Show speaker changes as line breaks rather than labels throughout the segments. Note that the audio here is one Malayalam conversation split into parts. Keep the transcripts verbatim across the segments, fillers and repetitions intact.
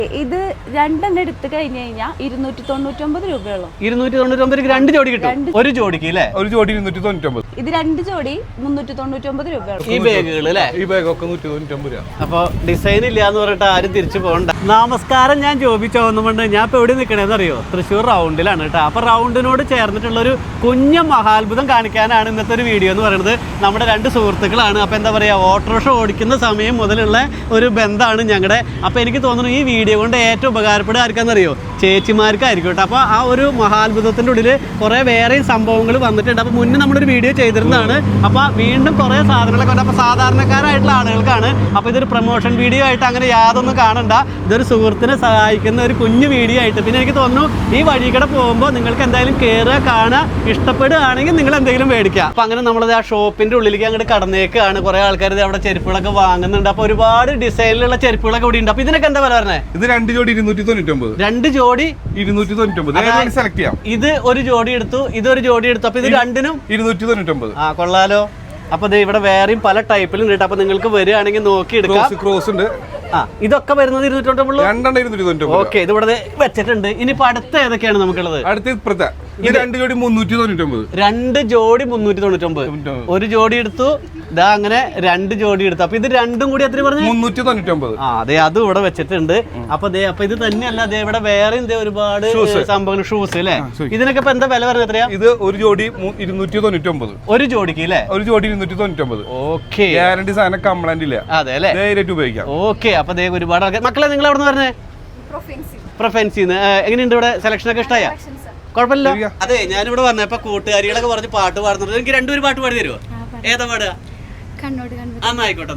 ഇത് രണ്ടെണ്ണം എടുത്തു കഴിഞ്ഞു കഴിഞ്ഞാൽ ഇരുന്നൂറ്റി തൊണ്ണൂറ്റൊമ്പത് രൂപയുള്ളൂ.
ഇരുന്നൂറ്റി തൊണ്ണൂറ്റൊമ്പത് രണ്ട് ജോഡി കിട്ടും. ഒരു ജോഡിക്ക് അല്ലേ?
ഒരു ജോഡി ഇരുന്നൂറ്റി തൊണ്ണൂറ്റൊമ്പത്.
ഇത് രണ്ട് ജോഡി മുന്നൂറ്റി തൊണ്ണൂറ്റൊമ്പത് രൂപയുള്ളൂ.
ഈ ബാഗുകൾ അല്ലേ?
ഈ ബാഗൊക്കെ നൂറ്റി തൊണ്ണൂറ്റൊമ്പത് രൂപ.
അപ്പൊ ഡിസൈൻ ഇല്ല എന്ന് പറഞ്ഞിട്ട് ആരും തിരിച്ചു പോകണ്ട. നമസ്കാരം, ഞാൻ ജോബി ചോന്നുകൊണ്ട് ഞാൻ ഇപ്പൊ എവിടെ നിൽക്കണേന്ന് അറിയോ? തൃശ്ശൂർ റൗണ്ടിലാണ് കേട്ടോ. അപ്പൊ റൗണ്ടിനോട് ചേർന്നിട്ടുള്ള ഒരു കുഞ്ഞ മഹാത്ഭുതം കാണിക്കാനാണ് ഇന്നത്തെ ഒരു വീഡിയോ എന്ന് പറയുന്നത്. നമ്മുടെ രണ്ട് സുഹൃത്തുക്കളാണ്. അപ്പൊ എന്താ പറയാ, ഓട്ടോറിക്ഷ ഓടിക്കുന്ന സമയം മുതലുള്ള ഒരു ബന്ധമാണ് ഞങ്ങളുടെ. അപ്പൊ എനിക്ക് തോന്നുന്നു ഈ വീഡിയോ കൊണ്ട് ഏറ്റവും ഉപകാരപ്പെടുക ആർക്കാന്നറിയോ? ചേച്ചിമാർക്കായിരിക്കും കേട്ടോ. അപ്പോൾ ആ ഒരു മഹാത്ഭുതത്തിൻ്റെ ഉള്ളിൽ കുറേ വേറെയും സംഭവങ്ങൾ വന്നിട്ടുണ്ട്. അപ്പോൾ മുന്നേ നമ്മളൊരു വീഡിയോ ചെയ്തിരുന്നതാണ്. അപ്പോൾ വീണ്ടും കുറേ സാധനങ്ങളൊക്കെ ഉണ്ട്. അപ്പോൾ സാധാരണക്കാരായിട്ടുള്ള ആളുകൾക്കാണ്. അപ്പോൾ ഇതൊരു പ്രൊമോഷൻ വീഡിയോ ആയിട്ട് അങ്ങനെ യാതൊന്നും കാണണ്ട. ഇതൊരു സുഹൃത്തിനെ സഹായിക്കുന്ന ഒരു കുഞ്ഞു വീഡിയോ ആയിട്ട്. പിന്നെ എനിക്ക് തോന്നുന്നു ഈ വഴിക്കടെ പോകുമ്പോൾ നിങ്ങൾക്ക് എന്തായാലും കയറുക, കാണുക, ഇഷ്ടപ്പെടുകയാണെങ്കിൽ നിങ്ങൾ എന്തെങ്കിലും മേടിക്കുക. അപ്പോൾ അങ്ങനെ നമ്മളത് ആ ഷോപ്പിൻ്റെ ഉള്ളിലേക്ക് അങ്ങോട്ട് കടന്നേക്കാണ്. കുറേ ആൾക്കാർ അവിടെ ചെരുപ്പുകളൊക്കെ വാങ്ങുന്നുണ്ട്. അപ്പോൾ ഒരുപാട് ഡിസൈനിലുള്ള ചെരുപ്പുകളൊക്കെ ഇവിടെ ഉണ്ട്. അപ്പോൾ ഇതിനൊക്കെ എന്താ വില പറഞ്ഞത്?
ഇത് രണ്ട് ജോഡി ഇരുന്നൂറ്റി തൊണ്ണൂറ്റൊമ്പത്.
രണ്ട് ജോഡി
ഇരുന്നൂറ്റി തൊണ്ണൂറ്റൊമ്പത് സെലക്ട് ചെയ്യാം.
ഇത് ഒരു ജോഡി എടുത്തു, ഇതൊരു ജോഡി എടുത്തു. അപ്പൊ ഇത് രണ്ടിനും
ഇരുന്നൂറ്റി തൊണ്ണൂറ്റൊമ്പത്.
ആ കൊള്ളാലോ. അപ്പൊ ഇവിടെ വേറെയും പല ടൈപ്പിലും ഉണ്ട്. അപ്പൊ നിങ്ങൾക്ക് വരികയാണെങ്കിൽ നോക്കി എടുക്കാം.
ക്രോസ് ഉണ്ട്.
ആ ഇതൊക്കെ വരുന്നത് ഇരുന്നൂറ്റി തൊണ്ണൂറ്റൊമ്പത്.
രണ്ടെണ്ണം ഇരുന്നൂറ്റി തൊണ്ണൂറ്റൊമ്പത്.
ഓക്കെ, ഇത് ഇവിടെ വെച്ചിട്ടുണ്ട്. ഇനിയിപ്പോ അടുത്ത ഏതൊക്കെയാണ് നമുക്കുള്ളത്?
അടുത്ത ഇപ്പുറത്തെ ഇത് രണ്ട് ജോഡി മുന്നൂറ്റി തൊണ്ണൂറ്റൊമ്പത്.
രണ്ട് ജോഡി മുന്നൂറ്റി തൊണ്ണൂറ്റൊമ്പത്. ഒരു ജോഡി എടുത്തു, ഇതാ അങ്ങനെ രണ്ട് ജോഡി എടുത്തു. അപ്പൊ ഇത് രണ്ടും കൂടി എത്ര പറഞ്ഞു?
മുന്നൂറ്റി തൊണ്ണൂറ്റൊമ്പത്.
ആ അതെ, അതും ഇവിടെ വെച്ചിട്ടുണ്ട്. അപ്പൊ ദേ അപ്പൊ ഇത് തന്നെയല്ല, അതേ ഇവിടെ വേറെയും ഒരുപാട് സംഭവങ്ങൾ, ഷൂസ് അല്ലേ? ഇതിനൊക്കെ ഇപ്പൊ എന്താ വില പറഞ്ഞത്? എത്രയാ?
ഇത് ഒരു ജോഡി ഇരുന്നൂറ്റി തൊണ്ണൂറ്റൊമ്പത്.
ഒരു ജോഡിക്ക് അല്ലേ?
ഒരു ജോഡി ഇരുന്നൂറ്റി തൊണ്ണൂറ്റൊമ്പത്.
ഓക്കെ,
ഗ്യാരണ്ടി സാധനം കംപ്ലൈന്റ് ഇല്ല.
അതെ അല്ലേ?
ധൈര്യമായിട്ട് ഉപയോഗിക്കാം.
ഓക്കെ, അപ്പൊ ദേ ഒരുപാട് ആൾക്കാർ. മക്കളെ നിങ്ങൾ എവിടെ നിന്ന് പറഞ്ഞേ? പ്രൊഫെൻസിന്ന്. എങ്ങനെയുണ്ട് ഇവിടെ? സെലക്ഷൻ ഒക്കെ ഇഷ്ടമായ? കുഴപ്പമില്ല. അതെ, ഞാനിവിടെ വന്നപ്പോ കൂട്ടുകാരികളൊക്കെ പറഞ്ഞ് പാട്ട് പാടുന്നുണ്ട്. എനിക്ക് രണ്ടുപേരും പാട്ട് പാടി തരുമോ? ഏതാ പാടുക? ആയിക്കോട്ടെ.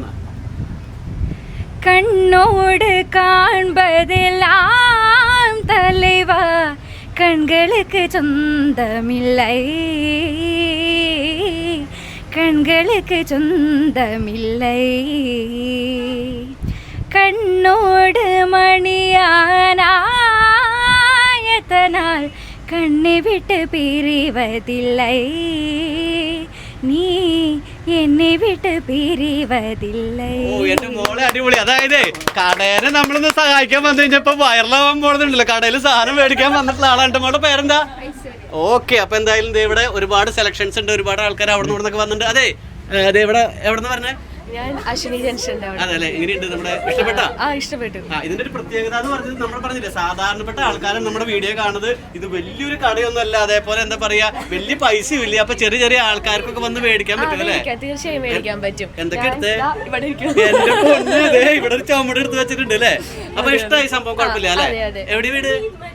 കണ്ണോട് കാൺപതെല്ലാം തലൈവാ കൺகளுக்கு சொந்தமில்லை, கண்களுக்கு சொந்தமில்லை, கண்ணோடு மணியானாயத்தனால் கண்ணை விட்டு பிரிவதில்லை, നീ എന്നെ വിട്ട് പിരിവതില്ലേ.
ഓ എന്റെ മോളെ, അടിപൊളി. അതായത് കടേനെ നമ്മളൊന്ന് സഹായിക്കാൻ വന്നു കഴിഞ്ഞപ്പോ വൈറലാവാൻ പോകുന്നുണ്ടല്ലോ. കടയിൽ സാധനം മേടിക്കാൻ വന്നിട്ടുള്ള ആളാണ്. എന്റെ മോളുടെ പേരെന്താ? ഓക്കെ, അപ്പൊ എന്തായാലും ഇവിടെ ഒരുപാട് സെലക്ഷൻസ് ഉണ്ട്. ഒരുപാട് ആൾക്കാർ അവിടെ നിന്ന് ഇവിടെ വന്നിട്ടുണ്ട്. അതെ, അതെ ഇവിടെ എവിടെ പറഞ്ഞേ?
ഞാൻ അശ്വിനി ജംഗ്ഷന്റെ അവിടെ.
അതല്ലേ, എങ്ങനെയുണ്ട്? നമ്മുടെ ഇഷ്ടപ്പെട്ട?
ആ ഇഷ്ടപ്പെട്ടു.
ആ ഇതിന്റെ ഒരു പ്രത്യേകത എന്ന് പറഞ്ഞത് നമ്മൾ പറഞ്ഞില്ലേ, സാധാരണപ്പെട്ട ആൾക്കാരാണ് നമ്മുടെ വീഡിയോ കാണുന്നത്. ഇത് വലിയൊരു കടയൊന്നും അല്ല, അതേപോലെ എന്താ പറയാ, വലിയ പൈസയും ഇല്ല. അപ്പൊ ചെറിയ ചെറിയ ആൾക്കാർക്കൊക്കെ വന്ന് മേടിക്കാൻ പറ്റും അല്ലേ?
തീർച്ചയായും മേടിക്കാൻ പറ്റും.
എന്തൊക്കെ എടുത്തേ?
ഇവിടെ
എന്റെ പൊന്ന്, ഇവിടെ ഒരു ചുമട് എടുത്ത് വെച്ചിട്ടുണ്ട് അല്ലേ? അപ്പൊ ഇഷ്ടമായി സംഭവം? കുഴപ്പമില്ല അല്ലേ? എവിടെ വീട്?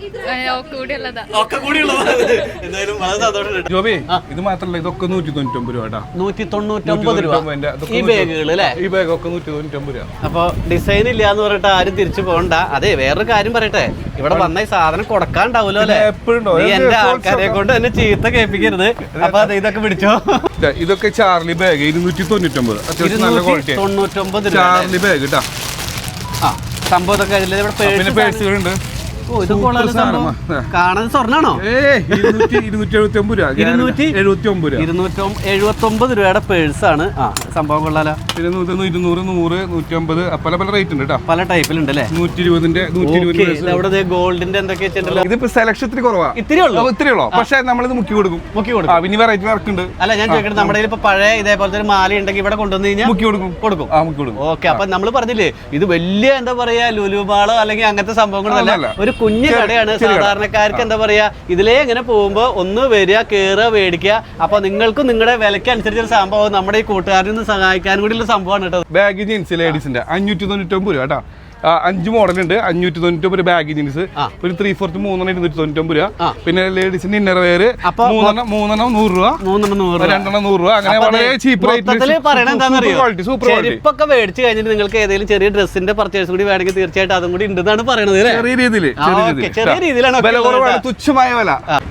ഒക്കെ കൂടി ഉള്ളത്. എന്തായാലും വളരെ സന്തോഷം.
ജോബി, ഇത് മാത്രല്ല, ഇതൊക്കെ നൂറ്റി തൊണ്ണൂറ്റൊമ്പത് രൂപ. നൂറ്റി
തൊണ്ണൂറ്റൊമ്പത് രൂപ ഈ ബാഗുകൾ അല്ലേ?
ഈ ബാഗൊക്കെ നൂറ്റി തൊണ്ണൂറ്റൊമ്പത് രൂപ.
അപ്പൊ ഡിസൈൻ ഇല്ല എന്ന് പറഞ്ഞിട്ട് ആരും തിരിച്ചു പോകണ്ട. അതെ, വേറൊരു കാര്യം പറയട്ടെ, ഇവിടെ വന്ന ഈ സാധനം കൊടുക്കാണ്ടാവൂലോ അല്ലേ? നീ എന്റെ ആൾക്കാരെ കൊണ്ട് തന്നെ ചീത്ത കേൾപ്പിക്കരുത്. അപ്പൊ അത് ഇതൊക്കെ പിടിച്ചോ.
ഇതൊക്കെ ചാർലി ബാഗ് ഇരുന്നൂറ്റി തൊണ്ണൂറ്റൊമ്പത്. അത്യാവശ്യം നല്ല ക്വാളിറ്റി.
തൊണ്ണൂറ്റൊമ്പത്
ചാർലി ബാഗ് കേട്ടാ.
ആ സംഭവം ഇതൊക്കെ
പിന്നെ പേഴ്സുകളുണ്ട്.
ഓ ഇത് കാണാൻ സ്വർണ്ണാണോ?
ഇരുന്നൂറ്റി എഴുപത്തി ഒമ്പത് രൂപ.
ഇരുന്നൂറ്റി
എഴുപത്തി ഒമ്പത് രൂപ.
ഇരുന്നൂറ്റി എഴുപത്തി ഒമ്പത് രൂപയുടെ പേഴ്സാണ്. ആ സംഭവം കൊള്ളാലോ.
പിന്നെ ഇരുന്നൂറ്, നൂറ്, നൂറ്റി അമ്പത്, പല പല റേറ്റ് ഉണ്ട് കേട്ടോ.
പല ടൈപ്പിലുണ്ട് അല്ലേ?
നൂറ്റി ഇരുപതിന്റെ നൂറ്റി ഇരുപത്
ഗോൾഡിന്റെ എന്തൊക്കെ വെച്ചിട്ടുണ്ടല്ലോ.
ഇതിപ്പോ സെലക്ഷൻ ഇത്തിരി കുറവാ.
ഇത്തിരി ഉള്ളൂ,
ഇത്തിരി ഉള്ളൂ. പക്ഷെ നമ്മളിത് മുക്കി കൊടുക്കും.
മുക്കി കൊടുക്കും.
പിന്നെ വെറൈറ്റി വർക്കുണ്ട്.
അല്ല ഞാൻ ചോദിക്കട്ടെ, നമ്മുടെ ഇപ്പൊ പഴയ ഇതേപോലത്തെ ഒരു മാല ഉണ്ടെങ്കിൽ ഇവിടെ കൊണ്ടുവന്ന് കഴിഞ്ഞാൽ
മുക്കി കൊടുക്കും. കൊടുക്കും. ആ മുക്കി കൊടുക്കും.
ഓക്കെ, അപ്പൊ നമ്മൾ പറഞ്ഞില്ലേ, ഇത് വലിയ എന്താ പറയാ ലുലുമാളോ അല്ലെങ്കിൽ അങ്ങനത്തെ സംഭവങ്ങളല്ല, ഒരു കുഞ്ഞു കടയാണ്. സാധാരണക്കാർക്ക് എന്താ പറയാ, ഇതിലേ ഇങ്ങനെ പോകുമ്പോ ഒന്ന് വരിക, കയറുക, മേടിക്കുക. അപ്പൊ നിങ്ങൾക്കും നിങ്ങളുടെ വിലയ്ക്ക് അനുസരിച്ചൊരു സംഭവം നമ്മുടെ ഈ കൂട്ടുകാരിൽ നിന്ന് സഹായിക്കാൻ കൂടിയുള്ള സംഭവമാണ് കേട്ടോ.
ബാഗ് ജീൻസ് ലേഡീസിന്റെ അഞ്ഞൂറ്റി തൊണ്ണൂറ്റൊമ്പത് രൂപ കേട്ടോ. അഞ്ച് മോഡലുണ്ട്. അഞ്ഞൂറ്റി തൊണ്ണൂറ്റൊമ്പത് ബാഗ് ജീൻസ്. ഒരു ത്രീ ഫോർത്ത് മൂന്നെണ്ണം ഇരുന്നൂറ്റി തൊണ്ണൂറ്റൊമ്പത് രൂപ. പിന്നെ ലേഡീസിന്റെ ഇന്നർ വെയർ മൂന്നെണ്ണം മൂന്നെണ്ണം നൂറ് രൂപ, മൂന്നെണ്ണം നൂറ്, രണ്ടെണ്ണം നൂറ് രൂപ. അങ്ങനെ വളരെ ചീപ്പ് റേറ്റ്.
ചെരുപ്പൊക്കെ മേടിച്ചു കഴിഞ്ഞിട്ട് നിങ്ങൾക്ക് ഏതെങ്കിലും ചെറിയ ഡ്രസ്സിന്റെ പർച്ചേസ് കൂടി വേണമെങ്കിൽ തീർച്ചയായിട്ടും അതും കൂടി ഉണ്ടെന്നാണ് പറയുന്നത്.
ചെറിയ രീതിയിൽ
ചെറിയ രീതിയിലാണ്
വില കുറവാണ്, തുച്ഛമായ വില.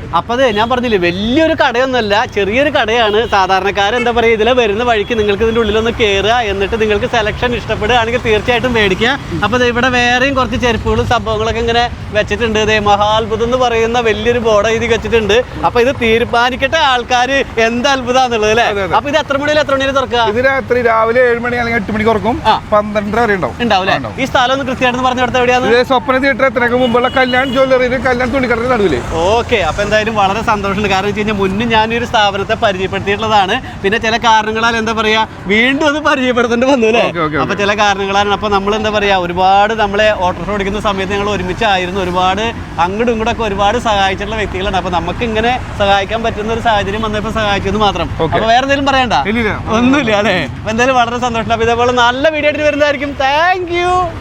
അപ്പൊ അതെ ഞാൻ പറഞ്ഞില്ലേ വലിയൊരു കടയൊന്നുമല്ല, ചെറിയൊരു കടയാണ്. സാധാരണക്കാരെന്താ പറയുക, ഇതിലെ വരുന്ന വഴിക്ക് നിങ്ങൾക്ക് ഇതിന്റെ ഉള്ളിലൊന്ന് കയറുക, എന്നിട്ട് നിങ്ങൾക്ക് സെലക്ഷൻ ഇഷ്ടപ്പെടുകയാണെങ്കിൽ തീർച്ചയായിട്ടും മേടിക്കുക. അപ്പൊ ഇവിടെ വേറെയും കുറച്ച് ചെരുപ്പുകളും സംഭവങ്ങളൊക്കെ ഇങ്ങനെ വെച്ചിട്ടുണ്ട്. ഇതേ മഹാത്ഭുതം എന്ന് പറയുന്ന വലിയൊരു ബോർഡ് എഴുതി വെച്ചിട്ടുണ്ട്. അപ്പൊ ഇത് തീരുമാനിക്കട്ടെ ആൾക്കാർ എന്ത് അത്ഭുതമാണെന്നുള്ളത് അല്ലേ. അപ്പൊ ഇത് എത്ര മണി എത്ര മണി തുറക്കുക?
ഇത് രാത്രി രാവിലെ ഏഴ് മണി അല്ലെങ്കിൽ എട്ട് മണിക്ക് തുറക്കും, പന്ത്രണ്ടര വരെ ഉണ്ടാവും.
ഉണ്ടാവും അല്ലേ? ഈ സ്ഥലം ഒന്ന് കൃത്യമായിട്ട് പറഞ്ഞു കൊടുത്ത എവിടെയാണ്?
സ്വപ്ന തിയേറ്റർ എത്രയൊക്കെ മുമ്പുള്ള കല്യാൺ ജ്വല്ലറിയിൽ കല്യാൺ തുണിക്കടയുടെ നടുവില്.
ഓക്കെ, അപ്പൊ എന്തായാലും വളരെ സന്തോഷമുണ്ട്. കാരണം വെച്ച് കഴിഞ്ഞാൽ മുന്നേ ഞാൻ ഈ ഒരു സ്ഥാപനത്തെ പരിചയപ്പെടുത്തിയിട്ടുള്ളതാണ്. പിന്നെ ചില കാരണങ്ങളാൽ എന്താ പറയാ വീണ്ടും അത് പരിചയപ്പെടുത്തേണ്ടി വന്നു അല്ലേ. അപ്പൊ ചില കാരണങ്ങളാണ്. അപ്പൊ നമ്മൾ എന്താ പറയാ ഒരുപാട് നമ്മളെ ഓട്ടോറിക്ഷ ഓടിക്കുന്ന സമയത്ത് ഞങ്ങൾ ഒരുമിച്ചായിരുന്നു. ഒരുപാട് അങ്ങോട്ടും ഇങ്ങോട്ടൊക്കെ ഒരുപാട് സഹായിച്ചിട്ടുള്ള വ്യക്തികളാണ്. അപ്പൊ നമുക്ക് ഇങ്ങനെ സഹായിക്കാൻ പറ്റുന്ന ഒരു സാഹചര്യം വന്നപ്പോൾ സഹായിച്ചെന്ന് മാത്രം. അപ്പൊ വേറെ എന്തെങ്കിലും പറയണ്ട? ഒന്നുമില്ല അല്ലേ. അപ്പൊ എന്തായാലും വളരെ സന്തോഷം. അപ്പൊ ഇതേപോലെ നല്ല വീഡിയോ ആയിട്ട് വരുന്നതായിരിക്കും. Thank U.